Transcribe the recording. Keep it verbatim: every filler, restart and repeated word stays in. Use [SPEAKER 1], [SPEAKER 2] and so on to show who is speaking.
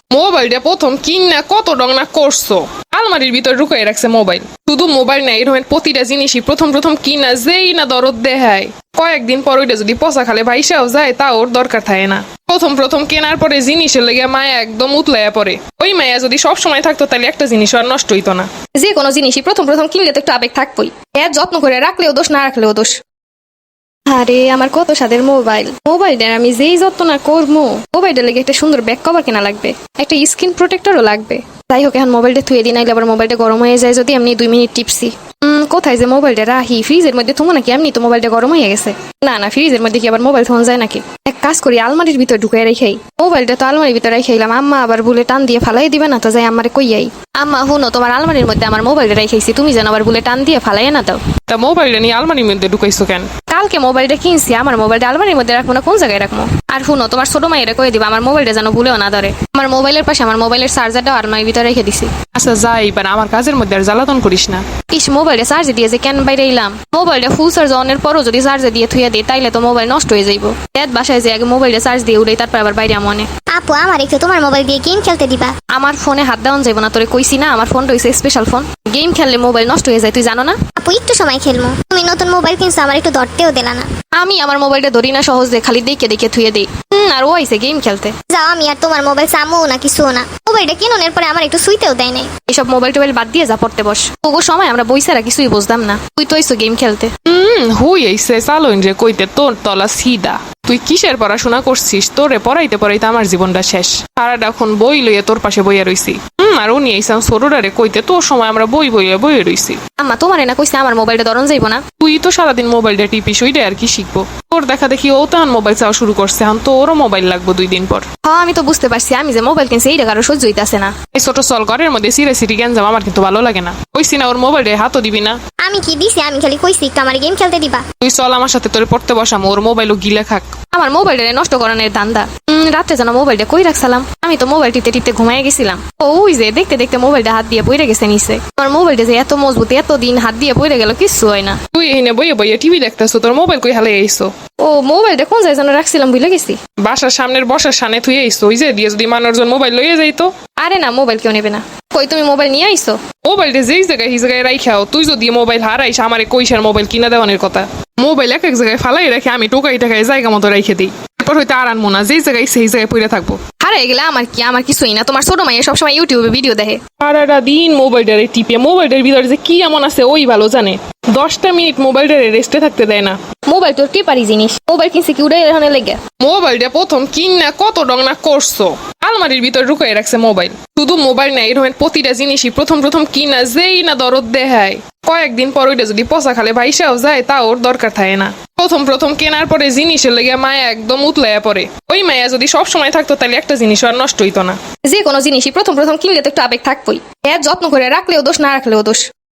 [SPEAKER 1] মোবাইলটা প্রথম কিনা কত ডং না করছো, আলমারির ভিতর ঢুকাই রাখছে মোবাইল। শুধু মোবাইল না, এরকম প্রতিটা জিনিসই প্রথম প্রথম কিনা যেই না দরদ দেখায়, কয়েকদিন পর ওইটা যদি পচা খালে ভাইসাও যায় তা ওর দরকার থাকে না। প্রথম প্রথম কেনার পরে জিনিসের লেগে মায়া একদম উতলাইয়া পড়ে। ওই মায়া যদি সব সময় থাকতো তাহলে একটা জিনিস আর নষ্ট হইতো না।
[SPEAKER 2] যে কোনো জিনিসই প্রথম প্রথম কিনলে তো একটু আবেগ থাকবোই। এর যত্ন করে রাখলেও দোষ, না রাখলেও দোষ। আরে আমার কত স্বাদের মোবাইল, মোবাইলটার আমি যেই যত্ন না করবো, মোবাইলটার লেগে একটা সুন্দর ব্যাক কভার কেনা লাগবে, একটা স্ক্রিন প্রোটেক্টরও লাগবে। যাই হোক, এখন মোবাইলটা থুয়ে দিই, নাইলে আবার মোবাইলটা গরম হয়ে যায় যদি এমনি দুই মিনিট টিপসি। উম কোথায় যে মোবাইলটা রাখি? ফ্রিজের মধ্যে থুমো নাকি? এমনি তো মোবাইলটা গরম হয়ে গেছে। না না, ফ্রিজের মধ্যে কি আবার মোবাইল থোন যায় নাকি? এক কাজ করি, আলমারির ভিতর ঢুকাই রেখেই। মোবাইলটা তো আলমারির ভিতরে রেখেইলাম, আম্মা আবার বলে টান দিয়ে ফালাই দিবে না তো? যাই আমারে কইয়াই, আম্মা হুনো, তোমার আলমারির মধ্যে আমার মোবাইলটা রেখেছি, তুমি যেন আবার বলে টান দিয়ে ফালাই না দাও।
[SPEAKER 1] তা মোবাইলটা নিয়ে আলমারির মধ্যে ঢুকাইছো কেন?
[SPEAKER 2] কালকে মোবাইলটা কিনছি, আমার মোবাইলটা আলমারির মধ্যে রাখবো না কোন জায়গায় রাখবো? আর শুনো, তোমার ছোট মাইয়েরা কয়ে দিবা আমার মোবাইলটা যেন ভুলেও না ধরে। আমার মোবাইলের পাশে আমার মোবাইলের চার্জারটাও আলমারির ভিতরে রেখে দিছি।
[SPEAKER 1] আচ্ছা যাই, এবার আমার কাজের মধ্যে আর জ্বালাতন করিস না।
[SPEAKER 2] ইস, মোবাইলটা চার্জে দিয়ে যে কেন বাইরে এলাম? মোবাইলটা ফুল চার্জ অনের পরও যদি চার্জে দিয়ে থুয়ে দিই তাইলে তো মোবাইল নষ্ট হয়ে যাইব। এত বাসায় যে আগে মোবাইলটা চার্জ দিয়ে উড়াই, তারপর আবার বাইরে মনে।
[SPEAKER 3] আপু, আমার একটু তোমার মোবাইল দিয়ে গেম খেলতে দিবা?
[SPEAKER 2] আমার ফোনে হাত দেওয়া যাইব না, তোরে কইছি না আমার ফোনটা হইছে স্পেশাল ফোন। গেম খেললে মোবাইল নষ্ট হয়ে যায়, তুই জানো না?
[SPEAKER 3] আপু, একটু সময় খেলবো। তুমি নতুন মোবাইল কিনছো, আমার একটু ধরতেও দিলা না।
[SPEAKER 2] আমি আমার মোবাইলটা ধরি না সহজে, খালি দেখে দেখে থুয়ে দিই। হুম আর ও আইছে গেম খেলতে।
[SPEAKER 3] যাও, আমি আর তোমার মোবাইল চামও না, কিছুও না। মোবাইলটা কিনুনের পরে আমার একটু শুইতেও দেয় নাই।
[SPEAKER 2] এসব মোবাইল টোবাইল বাদ দিয়ে যা পড়তে বস। ওগো সময় আমরা বইসারা কিছুই বুঝতাম না, তুই তো আইছো গেম খেলতে।
[SPEAKER 1] হুম হুই আইসে চালোইন রে কইতে তোর তলা সিদা। তুই কিসের পড়াশোনা করছিস? তোরে পড়াইতে পড়াইতে আমার জীবনটা শেষ। সারাটা এখন বই লইয়া তোর পাশে বইয়া রইছি। হুম আর উনি আইসাম সরুরারে কইতে তোর সময় আমরা বই বইয়া বইয়া রইছি।
[SPEAKER 2] আম্মা তোমার না কইছে আমার মোবাইলটা ধরন যাইবো না?
[SPEAKER 1] তুই তো সারাদিন মোবাইলটা টিপিস, ওইটা আর কি শিখবো? তোর দেখা দেখি ও তখন মোবাইল চাওয়া শুরু করছে, এখন তো ওরও মোবাইল লাগবো দুই দিন পর।
[SPEAKER 2] হ্যাঁ আমি তো বুঝতে পারছি, আমি যে মোবাইল কিনছি এইটা কারো সহ্য হইতাছে না।
[SPEAKER 1] এই ছোট চল ঘরের মধ্যে সিরে সিরি গ্যাঞ্জাম আমার কিন্তু ভালো লাগে না। কইছি না ওর মোবাইলে হাতও দিবি না।
[SPEAKER 3] আমি কি দিছি? আমি খালি কইছি একটু আমার গেম খেলতে দিবা।
[SPEAKER 1] তুই চল আমার সাথে, তোরে পড়তে বসাম, ওর মোবাইলও গিলে খাক।
[SPEAKER 2] আমার মোবাইলটা নষ্ট করানোর ধান্দা। উম রাত্রে যেন মোবাইলটা কই রাখছিলাম, আমি তো মোবাইল টিপতে টিপতে ঘুমাই গেছিলাম। ও ওই যে দেখতে দেখতে মোবাইলটা হাত দিয়ে পড়ে গেছে নিচে। আমার মোবাইলটা যে এত মজবুত, এত দিন হাত দিয়ে পড়ে গেল কিচ্ছু হয় না।
[SPEAKER 1] তুই এখানে বইয়ে বইয়ে টিভি দেখতেছো, তোর মোবাইল কই হালে আইসো?
[SPEAKER 2] ও মোবাইলটা কোন জায়গায় যেন রাখছিলাম ভুলে গেছি।
[SPEAKER 1] বাসার সামনের বসার সামনে থুয়ে আইসো, ওই যে দিয়ে যদি মানুষজন মোবাইল লইয়ে যাইতো।
[SPEAKER 2] আরে না, মোবাইল কেউ নেবে না। কই তুমি মোবাইল নিয়ে আইছো?
[SPEAKER 1] মোবাইলটা যেই জায়গায় সেই জায়গায় রাইখাও। তুই যদি মোবাইল হারাইস আমারে কইসার মোবাইল কিনা দেওয়ানের কথা। মোবাইল এক এক জায়গায় ফালাই রেখে আমি টোকাই টাকায় জায়গা মতো রেখে দিই। এরপর হয়তো আর আনবো না, যেই জায়গায় সেই জায়গায় পড়ে থাকবো।
[SPEAKER 2] হারাই গেলে আমার কি? আমার কিছুই না। তোমার ছোট মাইয়া সবসময় ইউটিউবে ভিডিও দেখে।
[SPEAKER 1] সারাটা দিন মোবাইলটারে টিপে, মোবাইলের ভিতরে যে কি এমন আছে ওই ভালো জানে। দশটা মিনিট মোবাইলটারে রেস্টে থাকতে দেয় না।
[SPEAKER 2] মোবাইল তোর টিপারি জিনিস, মোবাইল কিনছে কি উড়ে এখানে লেগে?
[SPEAKER 1] মোবাইলটা প্রথম কিনা কত ডং না করছো, আলমারির ভিতর ঢুকাই রাখছে মোবাইল। শুধু মোবাইল না, এরকম প্রতিটা জিনিসই প্রথম প্রথম কিনা যেই না দরদ দেখায়, কয়েকদিন পর ওইটা যদি পচা খালে ভাইসাও যায় তা ওর দরকার থাকে না। প্রথম প্রথম কেনার পরে জিনিসের লেগে মায়া একদম উতলাইয়া পড়ে। ওই মায়া যদি সব সময় থাকতো তাহলে একটা জিনিস আর নষ্ট হইতো না।
[SPEAKER 2] যে কোনো জিনিসই প্রথম প্রথম কিনলে তো একটু আবেগ থাকবোই। এর যত্ন করে রাখলেও দোষ, না রাখলেও দোষ।